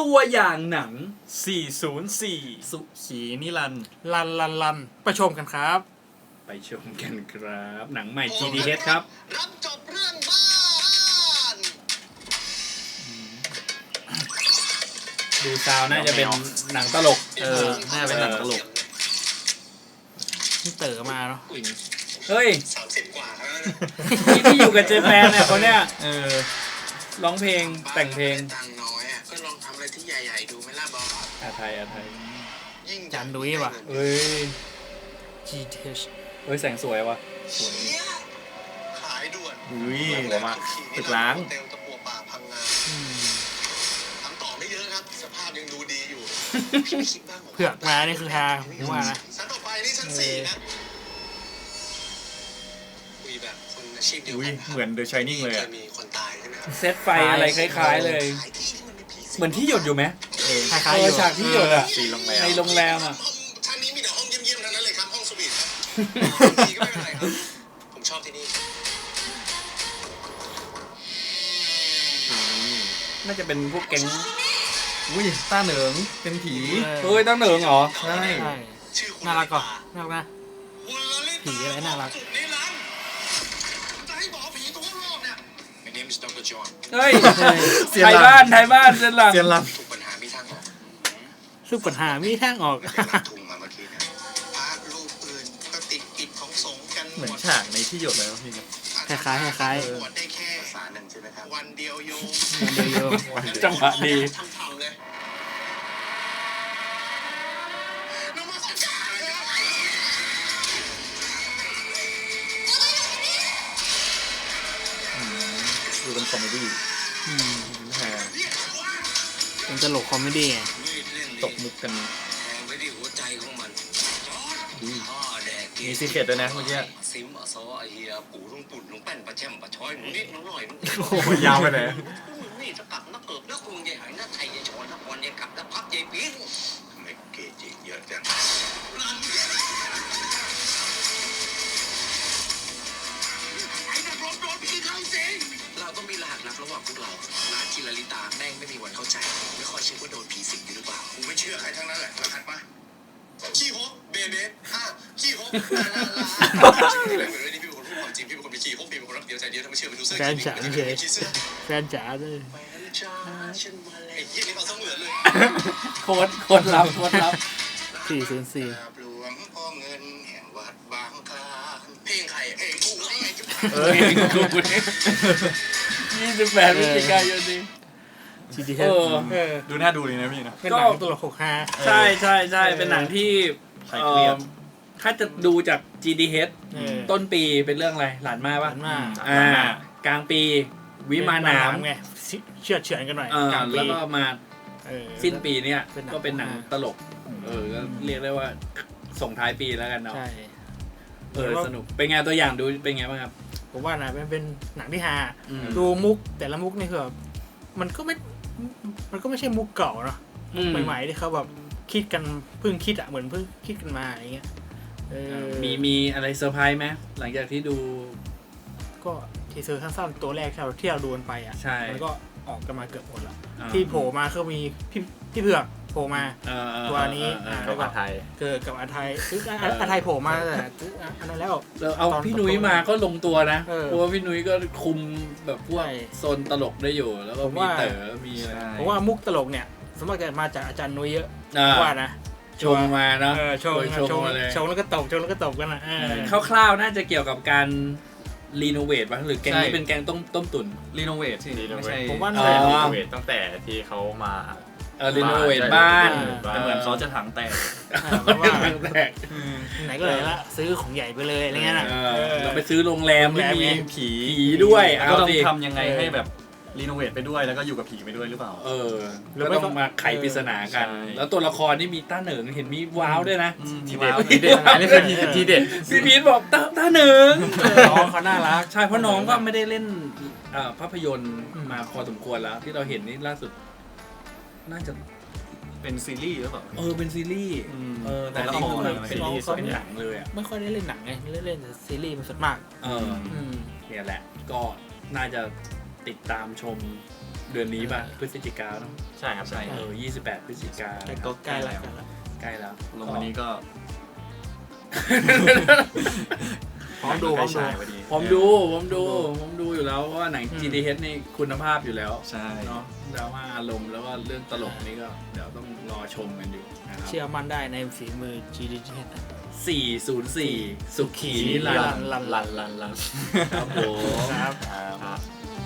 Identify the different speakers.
Speaker 1: ตัวอย่างหนัง
Speaker 2: 404
Speaker 3: สุขีนิรันดร์
Speaker 2: ลันไปชมกันครับ
Speaker 1: ไปชมกันครับ หนังใหม่ GDH ครับ
Speaker 4: รับจบเรื่องบ้าน
Speaker 1: ดูซาวน่าจะเป็นหนังตลก
Speaker 3: น่าเป็นหนังตลก
Speaker 2: นี่เต๋อมาเนาะ
Speaker 1: เฮ้ย
Speaker 4: 30 กว่าแล้วนะ
Speaker 1: ที่อยู่กับเจแปนเนี่ยคนเนี้ย
Speaker 3: อ
Speaker 1: ร้องเพลงแต่งเพลง
Speaker 4: ตังค์น้อยอ่ะก็ลองทำอะไรที่ใหญ่ๆดูไหมล่ะบอส
Speaker 1: อาไทย
Speaker 4: ยิ่ง
Speaker 2: จานดุ้ยว่ะ
Speaker 1: เฮ้ย
Speaker 2: GTH
Speaker 1: เฮ้ยแสงสวยว่ะ
Speaker 4: เชี่ยขายด่วน
Speaker 3: อุ้ย
Speaker 1: หัวมากตึกล้าง
Speaker 4: เตลตะปัวป่าพังงาทำต่อไม่เยอะครับ สภาพยังดูดีอยู่พี่ไม่คิดบ้างหร
Speaker 2: เผือกมานี่คือฮาผมว่านะ
Speaker 4: ชั้นต่อไปนี่ชั้น4นะคุยแบบคนอาชีพเดียว
Speaker 3: อุ้ย
Speaker 4: กัน
Speaker 3: เหมือน The Shining เลย
Speaker 4: เค
Speaker 3: อ่ะ
Speaker 4: ยมีคนตายใช่ไหมครับ
Speaker 1: เซตไฟอะไรคล้ายๆเลย
Speaker 4: ขายที่ที่มันมีผีสิง
Speaker 1: เหมือนที่หยดอยู่ไหม
Speaker 2: คล้ายๆอยู่
Speaker 1: ฉากที่หยดอะ
Speaker 3: สีโรงแรม
Speaker 1: ในโรงแรมอะ
Speaker 4: ชั้นนี้มีแต่ห้องเยี่ยมๆทั้งนั้นเลยครับห้องสวีทครับผีก็ไม่เป็นไรครับผมชอบที่นี่
Speaker 1: น่าจะเป็นพวกแก๊ง
Speaker 3: อุ้ยต้าเหนิงเป็นผี
Speaker 1: เฮ้ยตั้งเหนิงเหรอ
Speaker 3: ใช่
Speaker 2: ใช่
Speaker 4: ชื่อคุณ
Speaker 2: น่ารักก่อนน่ารักนะ
Speaker 4: คุณลลิตา
Speaker 2: ผีอะไรน่ารัก
Speaker 4: สุดนิรันดร์จะให้บอกผีตัวรอบเนี่ย My name is Dr. John
Speaker 1: เฮ้ย
Speaker 3: เสีย
Speaker 1: ไท
Speaker 3: ง
Speaker 1: ย
Speaker 3: หลั
Speaker 1: บ้าง นไทยบ้านเส้นหลัง
Speaker 3: เสียงล
Speaker 4: ทุกปัญหามีทางออก
Speaker 2: ซึ่งปัญหามีทางออก
Speaker 4: ไปรับทุงมาเมื่อกี้นะพระรูปอื่นก็ติดกิจของสงฆ์กัน
Speaker 3: ำเหมือนฉากในที่หยดเลยนะพี่ครับ
Speaker 2: คล้ายๆคล้ายๆ
Speaker 4: บวชได้แค่ภาษาหนึ่งใช่ไหมครับวันเดียวโยม
Speaker 2: เดียว
Speaker 1: จังหวะดี
Speaker 4: ทำเลยนมัสการเลยครับ
Speaker 3: ดูเป็นคอมเมดี้
Speaker 2: อืม
Speaker 3: แฮ
Speaker 2: เป็นตลกคอมเมดี้ไง
Speaker 3: ตกมุกกัน
Speaker 4: แทงไปที่หัวใจของมัน
Speaker 3: อุ้ย
Speaker 4: พ่อแดกกิน
Speaker 3: มีซีเคร็ตด้วยนะเมื่อกี้
Speaker 4: ซิมอซอไอเฮียปูลุงปุ่นลุงแป้นปลาแช่มปลาช้อยหนูนิดหนูหน่อยหนู
Speaker 3: โอ้โหยาวไปไหน
Speaker 4: มึงนี่จะกลับนักเกิบนักกรุงใหญ่หายนักไทยใหญ่ชอนนักบอลใหญ่กลับนักพักใหญ่ปีนทำไมเกจิเยอะจังไอ้นักรบโดนผีเข้าสิงเราต้องมีรหัสลับระหว่างพวกเรารหัสที่ลลิตาแม่งไม่มีวันเข้าใจไม่ค่อยเชื่อว่าโดนผีสิงอยู่หรือเปล่ากูไม่เชื่อใครทั้งนั้นแหละรหัสมาขี้ฮกเบเบ้ขี้ฮกลาลาลาเหมือนวันนี้พี่เป็นคนพูดความจริงพี่เป็นคนมีขี้ฮกพี่เป็นคนรักเดียวใจเดียวถ้าไม่เชื่อไปดูเสื้อ
Speaker 2: แฟนจ๋า
Speaker 4: ขี้
Speaker 2: เฉย
Speaker 4: ขี้เสื้อ
Speaker 2: แฟนจ๋าเลย
Speaker 4: ไอ้เหี้ยนี่เอาเสมือนเลย
Speaker 1: โคตรลับ
Speaker 2: 404
Speaker 4: หลวงพ่อเงินแห่งวัดบางคลานเพลงใครเพลงกูไงจุ๊บ
Speaker 1: เฮ้ยกู28พฤศจิกายนนี้
Speaker 2: GTH
Speaker 3: ดูน่าดูเลยนะพี่นะ
Speaker 2: เป็นหนังตลกหกฮา
Speaker 1: ใช่เป็นหนังที่
Speaker 3: ใครเครียด
Speaker 1: ถ้าจะดูจาก GDH
Speaker 2: เออ
Speaker 1: ต้นปีเป็นเรื่องอะไรหลานมา
Speaker 2: ห
Speaker 1: ปะ
Speaker 2: วานมาก
Speaker 1: กลางปีวิมานหนาม
Speaker 2: ไงเชื่อดเฉือนกันหน่อย
Speaker 1: ก
Speaker 2: กลางปี
Speaker 1: แล้วก็มา
Speaker 2: เออ
Speaker 1: สิ้นปีเนี่ย
Speaker 2: เป็นหนัง
Speaker 1: ก็เป็นหนังตลก ก็เรียกได้ว่าส่งท้ายปีแล้วกันเนาะ
Speaker 2: ใช่
Speaker 1: สนุกเป็นไงตัวอย่างดูเป็นไงบ้างครับ
Speaker 2: ผมว่านะเป็นหนังที่ฮา
Speaker 1: อืม
Speaker 2: ดูมุกแต่ละมุกนี่คือแบบมันก็ไม่ใช่มุกเก่าเนาะใหม่ๆที่เขาแบบคิดกันเพิ่งคิดเหมือนเพิ่งคิดกันมาอย่างเงี้ย
Speaker 1: มีอะไรเซอร์ไพรส์ไหมหลังจากที่ดู
Speaker 2: ก็ทีเซอร์สั้นๆตัวแรกที่เราดูกันไปอ่ะ
Speaker 1: ใช่
Speaker 2: มันก็ออกกันมาเกือบหมดแล้ว
Speaker 1: อ่า
Speaker 2: ที่โผล่มาคือมีพี่เผือกโผล่มา ตัวนี้
Speaker 3: กับอาไทย
Speaker 2: เกิดกับอาไทยคืออาไทยโผล่มาแต่อันนั้นแล้ว
Speaker 1: แล้วเอาพี่นุ้ยมาก็ลงตัวนะ
Speaker 2: เออ
Speaker 1: เพราะว่าพี่นุ้ยก็คุมแบบพวก
Speaker 2: ใช่
Speaker 1: โซนตลกได้อยู่ แล้วก็
Speaker 2: ผม
Speaker 1: มี
Speaker 2: ว่า
Speaker 1: เต๋อมีอะไร
Speaker 2: ผมว่ามุกตลกเนี่ยสมมติจะมาจากอาจารย์นุ้ยเยอะ
Speaker 1: อ่า
Speaker 2: ว่านะ
Speaker 1: ชงมาเนาะ
Speaker 2: ชง
Speaker 1: ชงมาเลย
Speaker 2: ชงแล้วก็ตบชงแล้วก็ตบกันนะ
Speaker 1: คร่าวๆน่าจะเกี่ยวกับการรีโนเวทป่ะหรือแกงนี้เป็นแกงต้มตุ๋น
Speaker 3: รีโนเวทสิไม่ใช่
Speaker 2: ผมว่า
Speaker 1: อ๋อ
Speaker 3: รีโนเวทตั้งแต่ที่เขามา
Speaker 1: รีโนเวทบ้าน
Speaker 3: แต่เหมือนเขาจะถังแตก
Speaker 2: เพราะว่า
Speaker 1: แตก
Speaker 2: ไหนก็เลยละซื้อของใหญ่ไปเลยอะไรเงี้ยนะ
Speaker 1: เราไปซื้อโรงแรมที่มี
Speaker 2: โรงแรม
Speaker 3: ผี
Speaker 1: ผีด้วย
Speaker 3: แล้วก็ต้อง
Speaker 1: เอาสิ
Speaker 3: ทำยังไงให้แบบรีโนเวทไปด้วยแล้วก็อยู่กับผีไปด้วยหรือเปล่า
Speaker 1: แล้วต้องมาไขปริศนากัน
Speaker 3: ใช่
Speaker 1: แล้วตัวละครนี่มีต้าเหนิงเห็นมีว้าวด้วยนะ
Speaker 3: ทีเด็ด
Speaker 1: ว้าว
Speaker 3: ทีเด็ดอันนี้คือทีเด็ด
Speaker 1: พี่พีทบอกต้าเหนิง
Speaker 2: น้องเขาน่ารัก
Speaker 1: ใช่เพราะน้องก็ไม่ได้เล่นภาพยนตร์มาพอสมควรแล้ว ที่เราเห็นนี่ล่าสุด น่าจะ
Speaker 3: เป็นซีรีส์หรือเปล่า
Speaker 1: เป็นซีรีส์
Speaker 3: อืม
Speaker 1: แต่นี่คือมัน
Speaker 3: เป็นละคร
Speaker 1: เป็นหนังเลยอ่ะ
Speaker 2: ไม่ค่อยได้เล่นหนังไงเล่นแต่ซีรีส์มันสุดมาก
Speaker 1: เนี่ยแหละ ก็น่าจะติดตามชมเดือนนี้ป่ะพฤศจิกาเนาะ
Speaker 3: ใช่ครับใช่
Speaker 1: 28 พฤศจิกา
Speaker 2: แต่ก็ใกล้แล้ว
Speaker 1: ใกล้แล้ว
Speaker 3: ลงวันนี้ก็
Speaker 2: พร้อมดู
Speaker 3: ใกล้ฉายพอดี
Speaker 1: ผมดูอยู่แล้วว่าหนัง GDH นี่คุณภาพอยู่แล้ว
Speaker 3: ใช่
Speaker 1: เนาะดราม่าอารมณ์แล้วก็เรื่องตลกนี่ก็เดี๋ยวต้องรอชมกันอยู่นะครับ
Speaker 2: เชื่อมั่นได้ในฝีมือ GDH
Speaker 1: 404 สุขีนิรันดร์
Speaker 2: ลัน
Speaker 1: ครับผม
Speaker 2: ครับ
Speaker 3: ครับ